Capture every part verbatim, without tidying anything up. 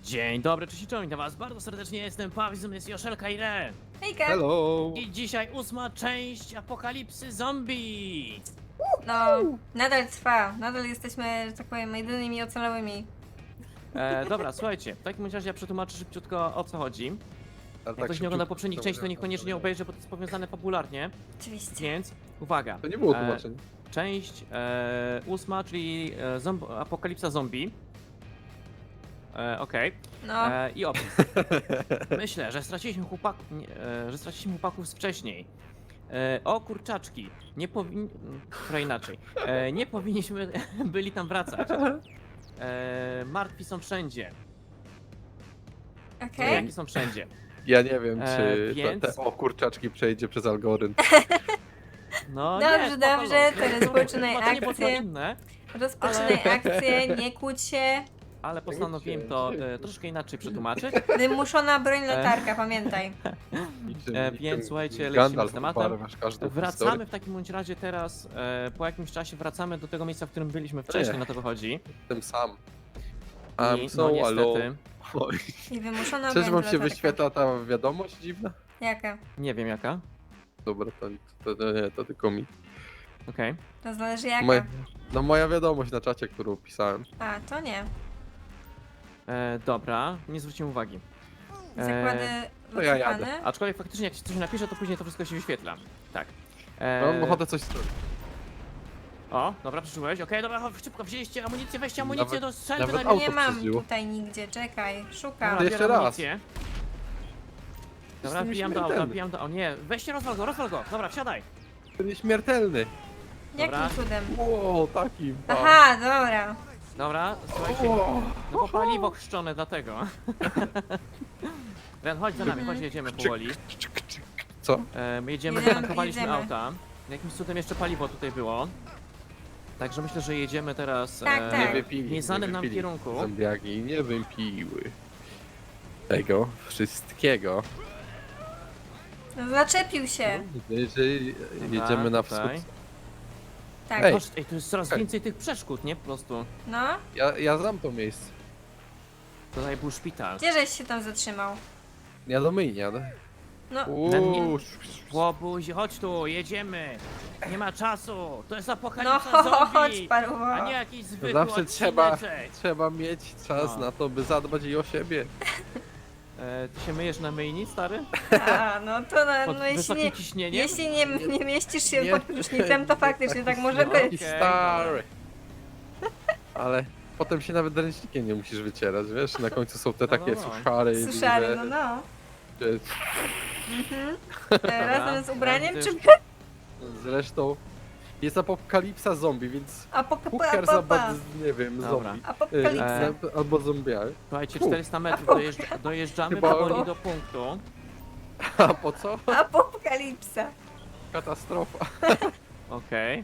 Dzień dobry, cześć i czołem, witam was bardzo serdecznie, jestem Paweł, jest Joszelka i Re. Hejka! Hello! I dzisiaj ósma część Apokalipsy Zombie. No, nadal trwa. Nadal jesteśmy, że tak powiem, jedynymi ocalałymi. E, dobra, słuchajcie, w takim razie ja przetłumaczę szybciutko o co chodzi. A Jak tak ktoś nie ogląda szybciutko, poprzednich to części, to może- niekoniecznie obejrzy, bo to jest powiązane fabularnie. Oczywiście. Więc uwaga. To nie było E, tłumaczenie. Część e, ósma, czyli e, zomb Apokalipsa Zombie. E, Okej. No, E, I opis. Myślę, że straciliśmy, chłopak... nie, e, że straciliśmy chłopaków z wcześniej. E, o kurczaczki, nie powinni... Trochę inaczej. E, nie powinniśmy byli tam wracać. E, martwi są wszędzie. okej. Jaki są wszędzie. Ja nie wiem, E, czy więc- te, te o kurczaczki przejdzie przez algorytm. No Dobrze, nie, spoko, dobrze, no. to rozpoczynaj Chyba to nie było chyba akcję. inne, Rozpoczynaj akcję, nie kłóć się. ale postanowiłem to e, troszkę inaczej przetłumaczyć. Wymuszona broń latarka, pamiętaj. Niczym- E, niczym więc słuchajcie, lecimy Gandalf z tematem. ubarwiasz każdą Wracamy historię. w takim bądź razie teraz, e, po jakimś czasie wracamy do tego miejsca, w którym byliśmy wcześniej, Ech. na to wychodzi. Tym sam. I, I'm no so niestety, alone. Oj. I wymuszona Czyż broń wam się latarka. wyświetla ta wiadomość dziwna? Jaka? nie wiem jaka. Dobra, to, to, to nie, to tylko mi. Okej. To zależy jaka. Moja, no moja wiadomość na czacie, którą pisałem. A, to nie. E, Dobra, nie zwróciłem uwagi. Zakłady to ja jadę. wycofane. Aczkolwiek faktycznie jak się coś napisze, to później to wszystko się wyświetla. Tak. Mam E, ochotę coś zrobić. O, dobra, przeczyłeś. Okej, dobra, chodź, szybko wzięliście amunicję, weźcie amunicję Nawet- do strzelby nawet na auto Nie mam przeżyło. tutaj nigdzie, czekaj, szukam. Dobra, Jeszcze biorę raz. amunicję. Dobra, Jestem wbijam do auta, śmiertelny. wbijam do... O nie, weźcie, rozwal go, rozwal go. Dobra, wsiadaj. To nieśmiertelny. Dobra. Jakim cudem? Wow, taki. ba. Aha, dobra. Dobra, słuchajcie. O, No bo paliwo chrzczone dlatego. Ren, chodź za nami, chodź, jedziemy powoli. Co? E, my jedziemy, Jedziemy, tankowaliśmy jedziemy. auta. Jakimś cudem jeszcze paliwo tutaj było. Także myślę, że jedziemy teraz Tak, e, tak. Nie wypili. w nieznanym nie nam wypili. kierunku. Zombiaki nie wypiły. Tego wszystkiego. No, zaczepił się. Jeżeli Dobra, jedziemy na wschód. tutaj. Tak. Ej. Patrz, ej, tu jest coraz Ej. więcej tych przeszkód, nie? Po prostu. No, Ja, ja znam to miejsce. Tutaj był szpital. gdzie żeś się tam zatrzymał? Ja do myjni jadę. No, Uuu, Łobuzi, chodź tu, jedziemy. Nie ma czasu. To jest no apokalipsa chodź, zombie. paruwa. A nie jakiś zwykły zawsze trzeba, odcineczek. trzeba mieć czas No. na to, by zadbać i o siebie. E, ty się myjesz na myjni, stary? A, no to na, Pod no jeśli wysokim nie, ciśnieniem? jeśli nie, nie mieścisz się Nie. pod prysznicem, to faktycznie tak może no. być. Taki Okej, stary. Ale potem się nawet ręcznikiem nie musisz wycierać, wiesz? Na końcu są te No, takie no, no. suszary. Suszary, że- no no. że- Mhm. E, Razem z ubraniem, czy... Będziesz- Zresztą jest apokalipsa zombie, więc Apoka- who cares apa- about, apa. nie wiem, Dobra. zombie. Y, Apokalipsa. E, Albo zombiały. Słuchajcie, Fu. czterysta metrów dojeżdż dojeżdżamy Chyba- powoli do punktu. A po co? Apokalipsa. Katastrofa. Okej.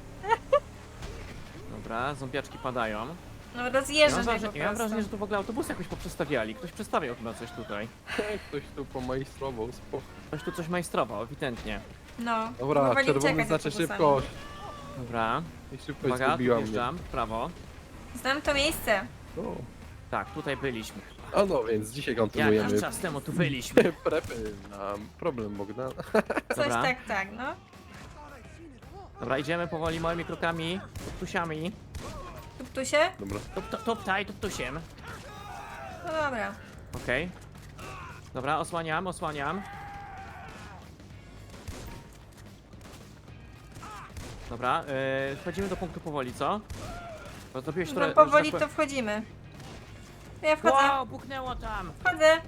Dobra, zombiaczki padają. No Ja mam, rozjeżdżasz mnie wrażenie, po ja mam wrażenie, że prostu. tu w ogóle autobusy jakoś poprzestawiali. Ktoś przestawiał chyba coś tutaj. Ktoś tu pomajstrował, spoko. Ktoś tu coś majstrował, ewidentnie. No. Dobra, próbowali czerwony uciekać znaczy autobusami. szybkość. Dobra, I szybkość uwaga, tu zgubiła mnie. wjeżdżam, w prawo. Znam to miejsce. O. Tak, tutaj byliśmy. A no, więc dzisiaj kontynuujemy Jakiś czas temu tu byliśmy. prepy na problem Bogdana. Coś Dobra. tak, tak, no. Dobra, idziemy powoli małymi krokami, tuptusiami. Tuptusie? Dobra. Tup, tup, tuptaj, tuptusiem. No dobra. Okej. Dobra, osłaniam, osłaniam. Dobra, yy, wchodzimy do punktu powoli, co? Bo zrobiłeś No trochę... powoli że tak to wchodzimy. Ja powiem- wchodzę, Wow, buchnęło tam! wchodzę.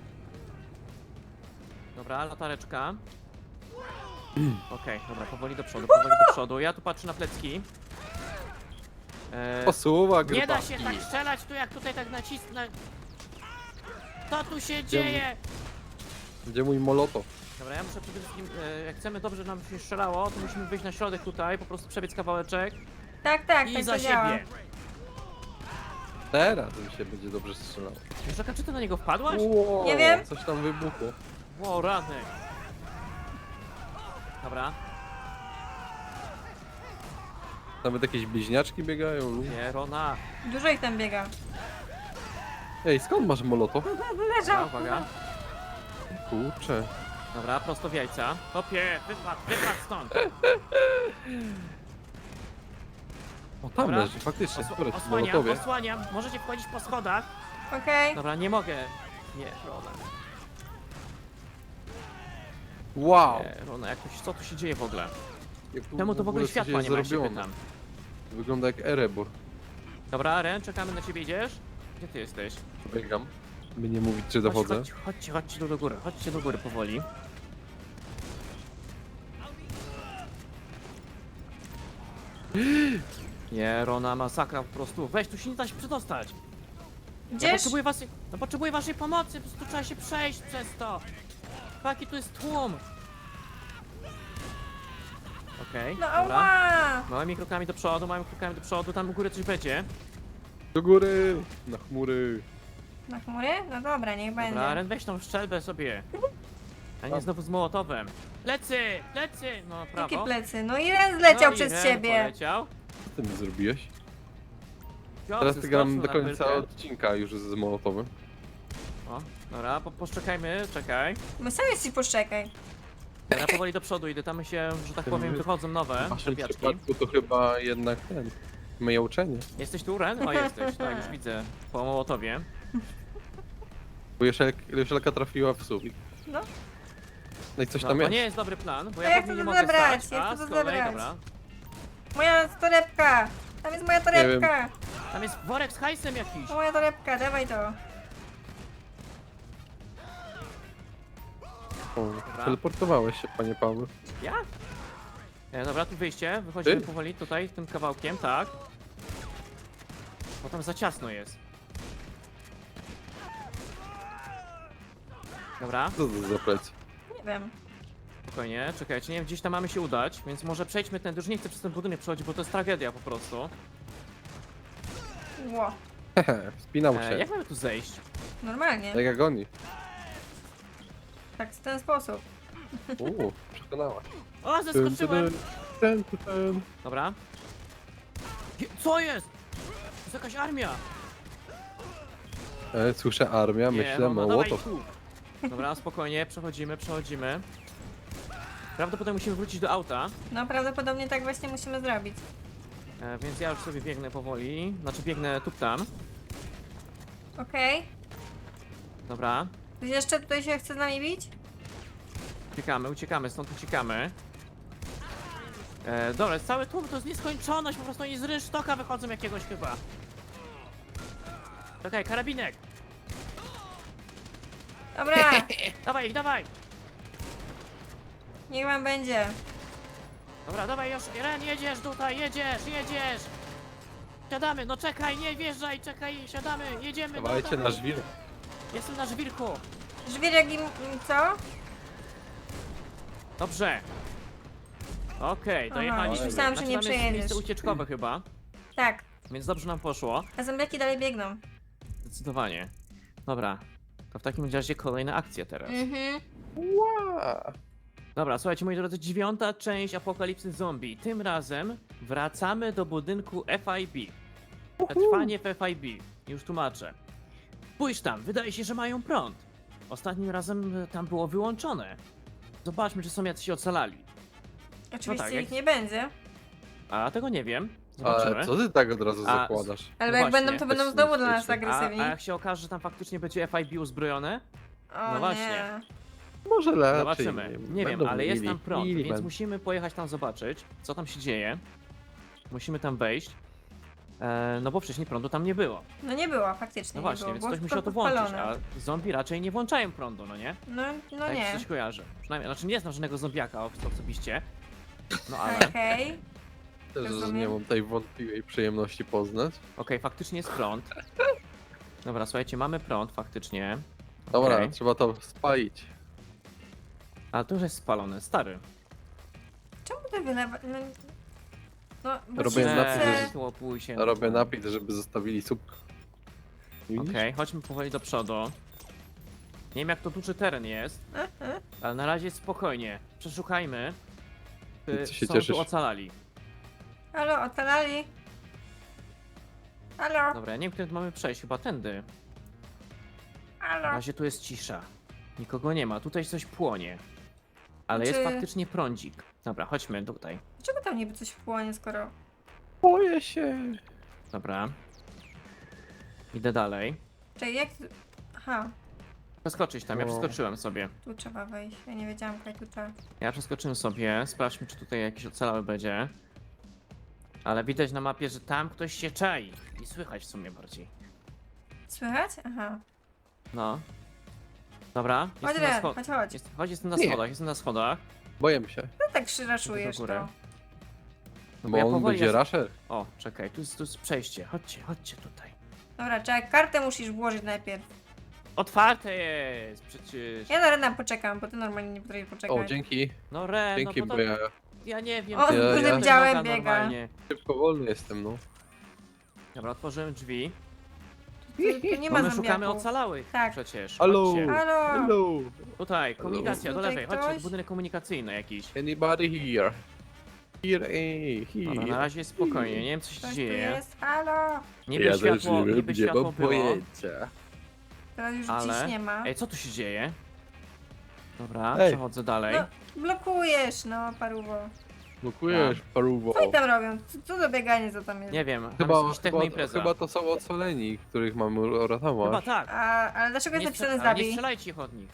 Dobra, latareczka. Okej, dobra, powoli do przodu, powoli do przodu. Ja tu patrzę na plecki. E, Posuwa nie da się grybaki. tak strzelać tu, jak tutaj tak nacisnę. Co tu się dzieje? Gdzie mój molotow? Dobra, ja muszę przede wszystkim, e, jak chcemy dobrze, żeby nam się strzelało, to musimy wyjść na środek tutaj, po prostu przebiec kawałeczek Tak, tak, i tak za to działa. siebie. Teraz mi się będzie dobrze strzelał. Żaka, czy ty na niego wpadłaś? Wow, Nie wiem. Coś tam wybuchło. Wow, rany. Dobra, Nawet jakieś bliźniaczki biegają. ludzie. nie, Rona. Dużo ich tam biega. Ej, skąd masz molotow? Dobra, Leżał. uwaga. Kurczę. Dobra, prosto w jajca. Hopie, wypadł, wypadł stąd. O, tam Dobra. leży, faktycznie, Osła- skoro w osłaniam, molotowie. osłaniam. Możecie wchodzić po schodach. Okej. Dobra, nie mogę. Nie, Rona. Wow! Nie, Rona, jak to, się- co tu się dzieje w ogóle? Jak tu Czemu to w ogóle coś światła jest nie ma, się zrobione. pytam. Wygląda jak Erebor. Dobra, Ren, czekamy na ciebie, idziesz? Gdzie ty jesteś? Biegam. By nie mówić, czy Chodź, dochodzę. chodź, chodźcie, chodźcie tu do góry, chodźcie do góry powoli. Nie, Rona, masakra po prostu. Weź, tu się nie da się przedostać. Ja Gdzież? potrzebuję waszej, no potrzebuję waszej pomocy, po prostu trzeba się przejść przez to. Jaki tu jest tłum. Okej, No dobra. ała! Małymi krokami do przodu, małymi krokami do przodu, tam u góry coś będzie. Do góry! Na chmury. Na chmury? No dobra, niech Dobra, będzie. Ren, weź tą szczelbę sobie. A nie A. znowu z mołotowem. Plecy, plecy! No, prawo. Jakie plecy? No i Ren zleciał No i przez Ren ciebie. Poleciał. Co ty mi zrobiłeś? Piotr Teraz ty gram zeskoczył do na końca brykę. odcinka już z molotowym. O, dobra, po, poczekajmy, czekaj. My sami ci poszczekaj. Ja powoli do przodu idę, tam się, że tak powiem, wychodzą nowe W waszym czepiaczki. przypadku to chyba jednak ten... Myje uczenie. Jesteś tu, Ren? O, jesteś, tak, już widzę. Po mołotowie. Bo Jeszelka, Jeszelka trafiła w sufit. No. No i coś No, tam to jest. nie jest dobry plan, bo A ja jak pod nim to nie mogę zabrać? stać, Jak a to z kolei, zabrać? dobra. Moja torebka! Tam jest moja torebka! Tam jest worek z hajsem jakiś. To moja torebka, dawaj to. O, teleportowałeś się, panie Paweł. Ja? E, dobra, tu wyjście, wychodzimy Ty? powoli tutaj, tym kawałkiem, tak. Bo tam za ciasno jest. Dobra, Co to za plecy? Nie wiem. spokojnie, czekajcie, nie wiem, gdzieś tam mamy się udać, więc może przejdźmy ten, już nie chcę przez ten budynek przechodzić, bo to jest tragedia po prostu. Ło. Hehe, wspinał E, się. jak mamy tu zejść? Normalnie. Tak jak oni. Tak w ten sposób. Uuu, przekonała. O, zeskoczyłem! Ten, ten, ten. Dobra. Je- Co jest? To jest jakaś armia! E, słyszę armia, Nie, myślę no, no dawaj mołotow. tu. Dobra, spokojnie, przechodzimy, przechodzimy. Prawdopodobnie musimy wrócić do auta, No prawdopodobnie tak właśnie musimy zrobić. e, więc ja już sobie biegnę powoli. Znaczy biegnę tu tam. Okej. Dobra, Ktoś jeszcze tutaj się chce z nami bić? uciekamy, uciekamy, stąd uciekamy. E, dobra, jest cały tłum, to jest nieskończoność, po prostu oni z rynsztoka wychodzą jakiegoś chyba. Okej, karabinek! Dobra, Dawaj, dawaj! niech wam będzie. Dobra, dawaj już, Ren, jedziesz tutaj, jedziesz, jedziesz! Siadamy, no czekaj, nie wjeżdżaj, czekaj, siadamy, jedziemy, no Dawajcie dawaj. na żwir. Jestem na żwirku. Żwirek im... co? Dobrze. Okej, dojechaliśmy. myślałam, że nie tam jest przejedziesz. miejsce ucieczkowe chyba, Tak. więc dobrze nam poszło. A zombiaki dalej biegną. Zdecydowanie. Dobra, to w takim razie kolejna akcja teraz. Mhm. Ła. Dobra, słuchajcie moi drodzy, dziewiąta część Apokalipsy Zombie. Tym razem wracamy do budynku F I B. Przetrwanie w F I B. Już tłumaczę. Spójrz tam, wydaje się, że mają prąd. Ostatnim razem e, tam było wyłączone. Zobaczmy, czy są jacyś ocalali. Oczywiście tak, jak- ich nie będzie. A tego nie wiem. Zobaczymy. Ale co ty tak od razu A, zakładasz? Ale No jak właśnie, będą, to będą bez znowu dla nas niebezpieczne. A, agresywni. a jak się okaże, że tam faktycznie będzie F I B uzbrojone? O no właśnie. nie. Może lepiej. Zobaczymy. Nie wiem, Będą ale jest mili. tam prąd, Mili więc będą. musimy pojechać tam zobaczyć, co tam się dzieje. Musimy tam wejść. E, no bo wcześniej prądu tam nie było. No nie było, faktycznie No nie właśnie, było. więc Było ktoś musiał tylko to włączyć, podpalone. a zombie raczej nie włączają prądu, no nie? No, no tak mi się nie. coś kojarzy. Przynajmniej, znaczy nie znam żadnego zombiaka o- osobiście. No ale, okej, Okej. Też że rozumiem. nie mam tej wątpliwej przyjemności poznać. faktycznie jest prąd. Dobra, słuchajcie, mamy prąd faktycznie. Dobra, Okej. trzeba to spalić. A to już jest spalone, stary. Czemu ty wylewa... No, no bo Robię się napis, chce- że- Tłopuj się. Robię napis, żeby zostawili słupka. Widzisz? Okej, chodźmy powoli do przodu. Nie wiem jak to duży teren jest, Mhm. ale na razie spokojnie. Przeszukajmy. Czy Co się są cieszysz? tu ocalali. Halo, ocalali? Halo? Dobra, ja nie wiem, którędy mamy przejść, chyba tędy. Na Halo. razie tu jest cisza. Nikogo nie ma, tutaj coś płonie. Ale jest Czy- faktycznie prądzik. Dobra, chodźmy tutaj. Dlaczego tam niby coś płonie, skoro... Boję się. Dobra. Idę dalej. Czekaj, jak... Aha, Przeskoczyć tam, ja No. przeskoczyłem sobie. tu trzeba wejść. Ja nie wiedziałam, jak tu trzeba. Ja przeskoczyłem sobie, sprawdźmy czy tutaj jakiś ocalały będzie. Ale widać na mapie, że tam ktoś się czai. I słychać w sumie bardziej. Słychać? Aha. No. Dobra, Chodź, jestem na, Ren, scho chodź, chodź. jest, chodź, jestem na Nie. schodach, jestem na schodach. Boję się. No tak szyraszujesz Do góry. to. No Bo ja on powoli będzie ja... rasher. O, czekaj, tu jest, tu jest przejście. Chodźcie, chodźcie tutaj. Dobra, czekaj, kartę musisz włożyć najpierw. Otwarte jest przecież. Ja na Rena poczekam, bo ty normalnie nie potrafisz poczekać. O, dzięki. No Ren, Dzięki, no bo bo to... ja Ja nie wiem. O, to z jest dużym noga działem biega. normalnie. szybko wolny jestem, no. Dobra, otworzyłem drzwi. Tu, tu nie ma Bo my szukamy zombiaków. ocalałych Tak. przecież. Halo. Chodźcie. Halo! Hello. Tutaj, komunikacja, do Tutaj lewej. Chodźcie, ktoś? budynek komunikacyjny jakiś. Anybody here? Here, eh, Dobra, na here. razie jest spokojnie, nie wiem co się Ktoś tu dzieje. jest? Halo! Niby Ja też światło, nie niby wiem, nie światło mam było. pojęcia. Teraz już Ale- dziś nie ma. Ej, co tu się dzieje? Dobra, Ej. przechodzę dalej. No, blokujesz, no, paruwo. Blokujesz, paruwo. Co oni tam robią? Co, co za bieganie, co tam jest? Nie wiem, tam Chyba, jest jakaś chyba, technoimpreza. chyba to są ocaleni, których mamy uratować. Chyba tak. A, ale dlaczego jest Nie, napisane strze- ale nie zabij? strzelajcie ich od nich.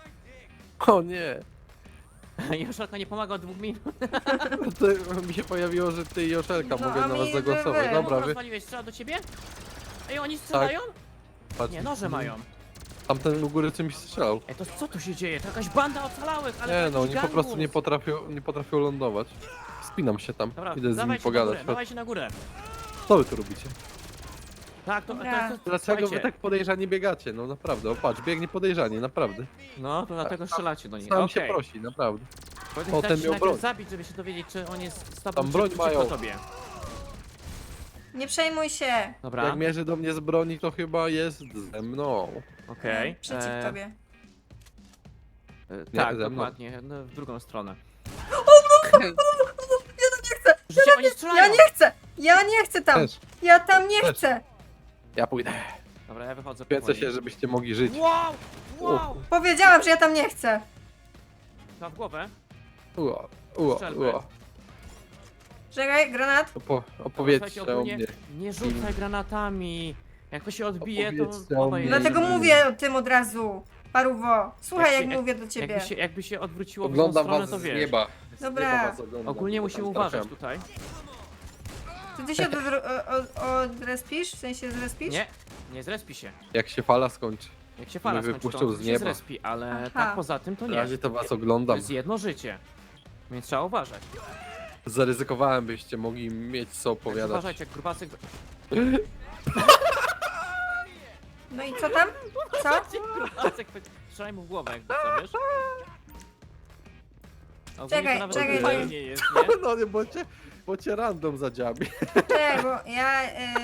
O nie! Joszelka nie pomaga od dwóch minut. To mi się pojawiło, że ty i Joszelka No, mogę a na mi, was że zagłosować. wy. Dobra, Czemu wy rozwaliłeś? Strzela do ciebie? Ej, oni strzelają? patrz. Nie, noże mają. Tamten u góry czymś strzelał. Ej, to co tu się dzieje? To jakaś banda ocalałych, ale Nie to no, jakiś oni po prostu nie gangus. potrafią, nie potrafią lądować. Spinam się tam, Dobra, idę z nimi dawajcie na pogadać. górę, dawajcie na górę. Co wy tu robicie? Tak, to, to, Dobra. to, to Dlaczego wy słuchajcie. tak podejrzanie biegacie? No naprawdę, o patrz, biegnie podejrzanie, naprawdę. No, to dlatego strzelacie do nich. Sam Okej. się prosi, naprawdę. Potem O, dać ten się miał najpierw broń. zabić, żeby się dowiedzieć, czy on jest z tobą, Tam czy broń przeciwko mają. tobie. Nie przejmuj się. Dobra, Jak mierzy do mnie z broni, to chyba jest ze mną. okej. Przeciw e, tobie. e, Nie, tak, ze mną. dokładnie, no, w drugą stronę. Ja tam nie chcę! Życie, oni strzelają! Ja nie chcę! Ja nie chcę tam! Też, Ja tam nie Też. chcę! ja pójdę. Dobra, ja wychodzę Kręcę powoli. się, żebyście mogli żyć. Wow! Wow! Powiedziałam, że ja tam nie chcę! Na w głowę. Ua, ua, Strzelby. ua. Czekaj, granat. Opo Słuchajcie, opowiedzcie o ogólnie mnie. nie rzucaj granatami. Jak to się odbije, to Opowiedzcie o głowa mnie. jest. Dlatego nie. mówię o tym od razu. Paruwo, słuchaj Jak jak, się- mówię do ciebie. Jakby się, jakby się odwróciło w Oglądam tą stronę, was to z wiesz. nieba. Z Dobra. nieba was oglądam. Ogólnie Tam musimy trafiam. uważać tutaj. Czy ty się od, od, odrespisz? W sensie zrespisz? Nie, nie zrespi się. Jak się fala skończy. Jak się fala Mnie skończy, to wypuszczą on z się nieba. zrespi, ale Aha. tak poza tym to Na nie. razie to was To oglądam. jest jedno życie. Więc trzeba uważać. Zaryzykowałem, byście mogli mieć co Także opowiadać. uważajcie, jak grubasek... No i co tam? Co? grubasek strzelaj mu w głowę, jakby co, wiesz? Ogólnie Czekaj, to nawet czekaj, fajnie czekaj. nie jest, nie? No nie, bo cię, bo cię random zadziabi. Czekaj, bo ja... Y...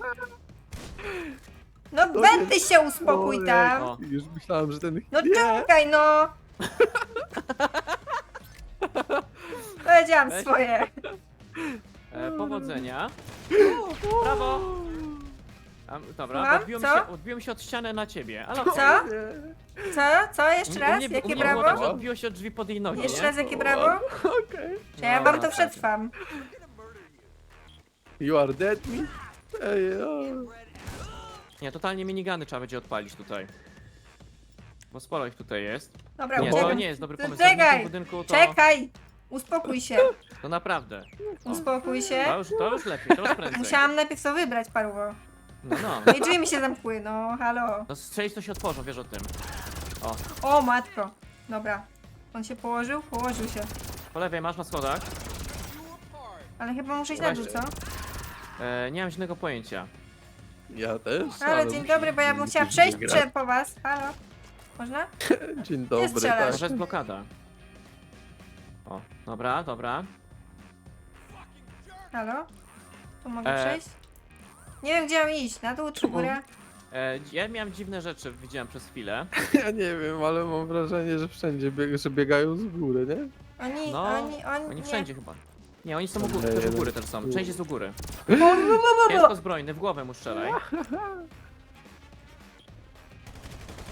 No Benty się uspokój tam! O. Już myślałem, że ten... No nie. czekaj no! Powiedziałam Weź. swoje. E, powodzenia. Brawo! A, dobra, Słucham? odbiłem Co? się, odbiłem się od ściany na ciebie. Ale Co? Co? Co? Jeszcze U raz? mnie- u Jakie mnie było tak, że brawo? odbiło się od drzwi pod jej nogi, Jeszcze nie? raz jakie brawo? Okej. Czy ja Dobra, wam to tak. przetrwam? You are dead me? Ej, o. Nie, totalnie minigany trzeba będzie odpalić tutaj. Bo sporo ich tutaj jest. Dobra, Nie, to uciekam. nie jest dobry To pomysł. czekaj, Zamknięcie budynku to, Czekaj! Uspokój się, to naprawdę. uspokój To się. już, to już lepiej, to już prędzej. Musiałam najpierw to wybrać, paruwo. No, no. No i drzwi mi się zamkły, no halo. No strzelić to się otworzą, wiesz o tym. O, O matko. Dobra. On się położył? Położył się. po lewej masz na schodach. Ale chyba muszę iść na dół, co? E, nie mam żadnego pojęcia. Ja też. Halo, dzień dobry, bo ja bym chciała przejść grać. prze po was. Halo? Można? Dzień dobry, strzelasz. tak. Może jest blokada. O, dobra, dobra. Halo? Tu mogę E. przejść? Nie wiem, gdzie mam iść. Na dół czy w górę? E, ja miałem dziwne rzeczy, widziałem przez chwilę. Ja nie wiem, ale mam wrażenie, że wszędzie bieg że biegają z góry, nie? Oni, No, oni, oni... Oni nie. wszędzie chyba. Nie, oni są u góry, Nie, też u jeden- góry też są. Część jest u góry. O, bo, bo, bo, bo. Ciężko zbrojny, w głowę mu strzelaj.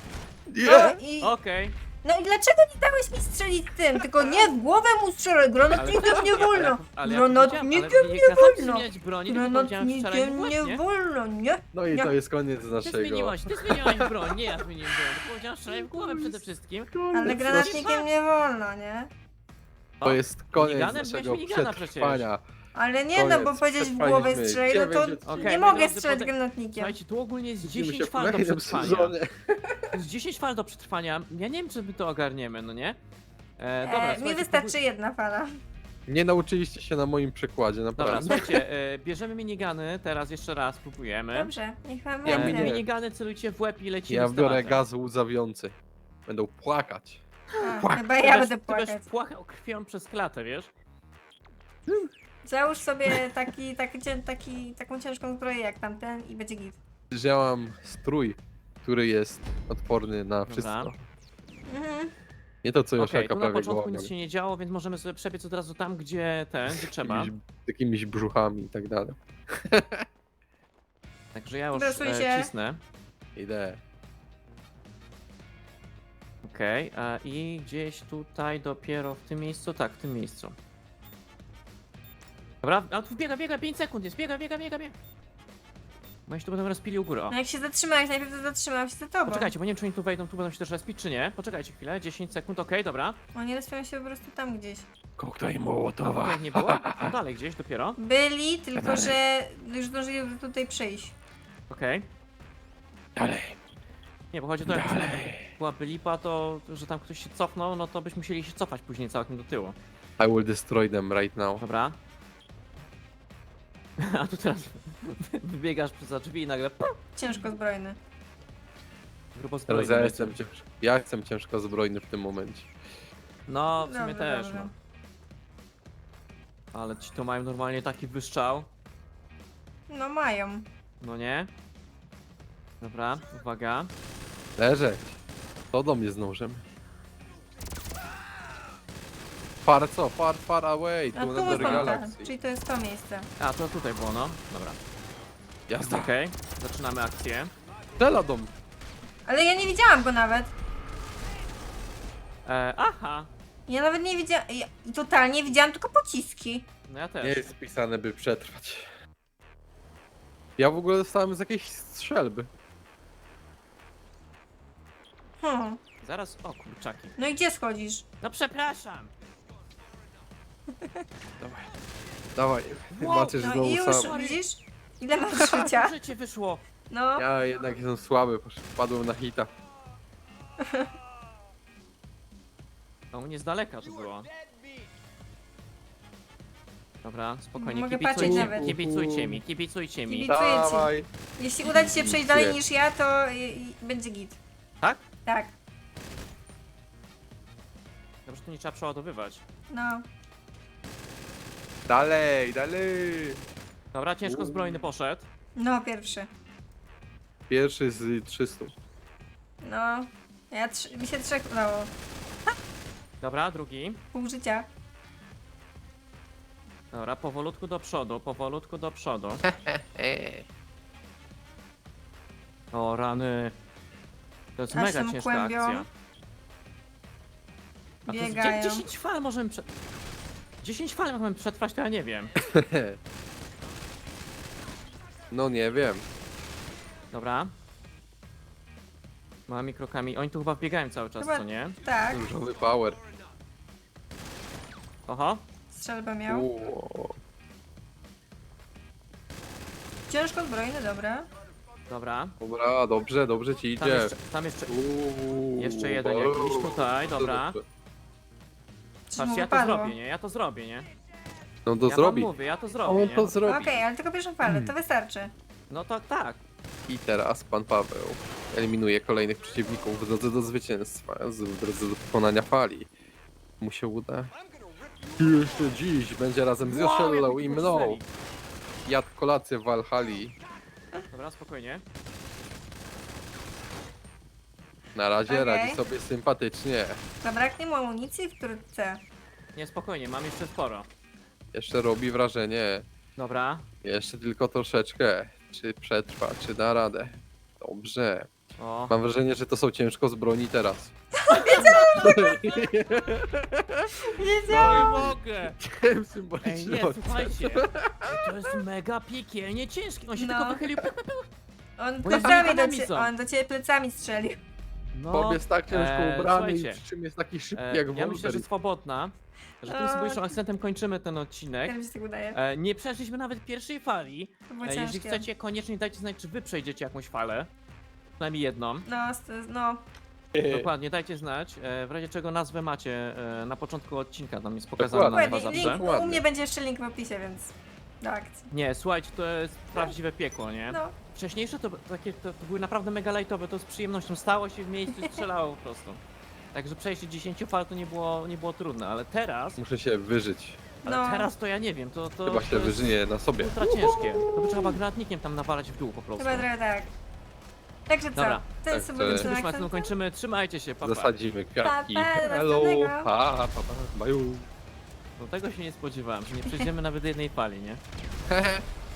No i, Okej. no i dlaczego nie dałeś mi strzelić tym? Tylko nie w głowę mu strzelaj, granatnikiem nie wolno. Ale ja Granatnikiem powiedziałem, ale nie nie kazałem ci wolno. zmieniać broni, tylko powiedziałem strzelaj w Granatnikiem łeb, nie nie? wolno, nie? No i Nie. to jest koniec Ty naszego. zmieniłaś, ty zmieniłaś broń, nie ja zmieniłem broń. Tylko powiedziałem strzelaj w głowę przede wszystkim. Ale granatnikiem nie wolno, nie? To jest koniec miniganem? naszego Weź minigana przetrwania. Ale nie, no bo Koniec, powiedzieć w głowę przetrwaliśmy strzelaj, no to dziewięć Okej, nie moi mogę drodzy, strzelać pode- granatnikiem. Słuchajcie, tu ogólnie jest Widzimy się dziesięć w fal do kolejnym przetrwania. sezonie. To jest dziesięć fal do przetrwania. Ja nie wiem, czy my to ogarniemy, no nie? E, dobra, E, mi słuchajcie, wystarczy jedna fala. Nie nauczyliście się na moim przykładzie, Dobra, naprawdę. słuchajcie, e, bierzemy minigany, teraz jeszcze raz spróbujemy. Dobrze, niech wam Ja E, będzie. mini- minigany celujcie w łeb i lecimy Ja z biorę tematem. gaz łzawiący. Będą płakać. A, chyba Ty ja będziesz- będę ty będziesz płakać. płakał krwią przez klatę, wiesz? Załóż sobie taki, taki, cię- taki, taką ciężką zbroję jak tamten i będzie git. Że ja mam strój, który jest odporny na wszystko. Mhm. Nie to, co Okej, Josiaka tu na prawie początku gołamem. nic się nie działo, więc możemy sobie przebiec od razu tam, gdzie ten, gdzie trzeba. Jakimiś, jakimiś brzuchami i tak dalej. Także ja już Dosuj e, się. cisnę. Idę. Okej, e, i gdzieś tutaj dopiero w tym miejscu, tak, w tym miejscu. Dobra, a tu biega, biega, pięć sekund jest, biega, biega, biega, biega. Bo oni się tu będą rozpili u góry, o. No jak się zatrzymałeś, najpierw to zatrzymałam się za tobą. Poczekajcie, bo nie wiem, czy oni tu wejdą, tu będą się też respić, czy nie. Poczekajcie chwilę, dziesięć sekund, okej, dobra. Oni respią się po prostu tam gdzieś. Koktajl A Mołotowa. tutaj nie było? No dalej gdzieś dopiero. Byli, tylko że już zdążyli tutaj przyjść. Okej. Dalej. Nie, bo chodzi o to, jak Dalej. byłaby lipa, to że tam ktoś się cofnął, no to byśmy musieli się cofać później całkiem do tyłu. I will destroy them right now. Dobra. A tu teraz wybiegasz za drzwi i nagle pum, Ciężko zbrojny. grubo Teraz zbrojny. ja jestem ciężko. Ja jestem ciężko zbrojny w tym momencie. No, w sumie Dobrze, też, dobrze. no. Ale ci to mają normalnie taki wyszczał, No mają. no nie? Dobra, uwaga. Leżeć. To do mnie z nożem. Far co? Far, far away. A Tu tu na jest tam, galaksji. czyli to jest to miejsce. A, to tutaj było, no. Dobra. Jazda. Okej, zaczynamy akcję. Strzela do mnie. Ale ja nie widziałam go nawet. E, aha! Ja nawet nie widziałam. Ja totalnie widziałam tylko pociski. No ja też. Nie jest pisane, by przetrwać. Ja w ogóle dostałem z jakiejś strzelby. Hmm. Zaraz, o kurczaki. No i gdzie schodzisz? No przepraszam! Dawaj. Dawaj. Wow, Macie No znowu i już, sam. widzisz? Ile masz życia? Życie wyszło! No. Ja jednak jestem słaby, posz- wpadłem na hita. A u mnie z daleka to było. Dobra, spokojnie, Mogę kibicujcie, patrzeć nawet. kibicujcie mi, kibicujcie mi. Kibic- Dziękuję ci. Dawaj. Jeśli uda ci się przejść dalej niż ja, to i, i będzie git. Tak? Tak. Dobrze, tu nie trzeba przeładowywać. No. Dalej, dalej. Dobra, ciężko Uuu. zbrojny poszedł. No, pierwszy. Pierwszy z trzystu. No. Ja trzy, mi się trzech udało. Dobra, drugi. Pół życia. Dobra, powolutku do przodu, powolutku do przodu. O rany. To jest Aż mega się ciężka kłębią. akcja. A to jest Biegają. dziesięć fal możemy prze... dziesięć fal możemy przetrwać, to ja nie wiem. No nie wiem. Dobra. Małymi krokami. Oni tu chyba biegają cały czas, Chyba- co nie? Tak. Różowy power. Oho. Strzelbę miał. Uuu. Ciężko zbrojny, dobra. Dobra. Dobra, dobrze, dobrze ci Tam idzie. jeszcze, tam jeszcze, Uuu, jeszcze jeden bardzo jakiś tutaj, dobra. dobrze. Coś mu Patrzcie, ja to wypadło. zrobię, nie? Ja to zrobię, nie? No to ja zrobi. wam mówię, ja to zrobię, On nie? to zrobi. Okej, ale tylko pierwszą falę, to wystarczy. No to tak. I teraz pan Paweł eliminuje kolejnych przeciwników w drodze do zwycięstwa, z- w drodze do pokonania fali. Mu się uda. Jeszcze dziś będzie razem z Joszellą i mną. Jadł kolację w Valhalla. Dobra, spokojnie. Na razie Okej. radzi sobie sympatycznie. Zabraknie mu amunicji wkrótce. Nie, spokojnie, mam jeszcze sporo. Jeszcze robi wrażenie. Dobra. Jeszcze tylko troszeczkę. Czy przetrwa, czy da radę. Dobrze. O, Mam wrażenie, że to są ciężko z broni teraz. Wiedziałam! no nie mogę! Tym Ej, symbolicznym nie, akcentem. słuchajcie. Ej, to jest mega piekielnie ciężki. On się No. tylko wychylił. On Bo ja plecami do, z cie... są. on do ciebie plecami strzelił. No, Bob jest tak ciężko e, ubrany i słuchajcie, przy czym jest taki szybki e, jak ja myślę, że Wolverine. swobodna, że tym O. symbolicznym akcentem kończymy ten odcinek. Jak mi się tak udaje. E, nie przeszliśmy nawet pierwszej fali. To było E, jeżeli ciężkie. chcecie, koniecznie dajcie znać, czy wy przejdziecie jakąś falę. Przynajmniej jedną. No, st- no. Dokładnie, dajcie znać. E, w razie czego nazwę macie e, na początku odcinka, tam jest pokazana Dokładnie. nazwa Dokładnie, zawsze. link, u Ładnie. mnie będzie jeszcze link w opisie, więc do akcji. Nie, słuchajcie, to jest prawdziwe piekło, nie? No, Wcześniejsze to, takie, to, to były naprawdę mega lightowe, to z przyjemnością stało się w miejscu i strzelało po prostu. Także przejście dziesięciu fal to nie było, nie było trudne, ale teraz, Muszę się wyżyć. ale no. teraz to ja nie wiem, to, to, Chyba to się jest wyżyję na sobie. ultra ciężkie. To by trzeba granatnikiem tam nawalać w dół po prostu. Chyba trochę tak. Także co? Dobra. Ten Tak, symboliczny to- Już Martynu akcent. kończymy, trzymajcie się, pa, pa. Zasadzimy kwiatki. Pa, pa, do Hello, następnego. pa, pa, pa, baju. Do tego się nie spodziewałem, że nie przejdziemy nawet jednej fali, nie? Hehe.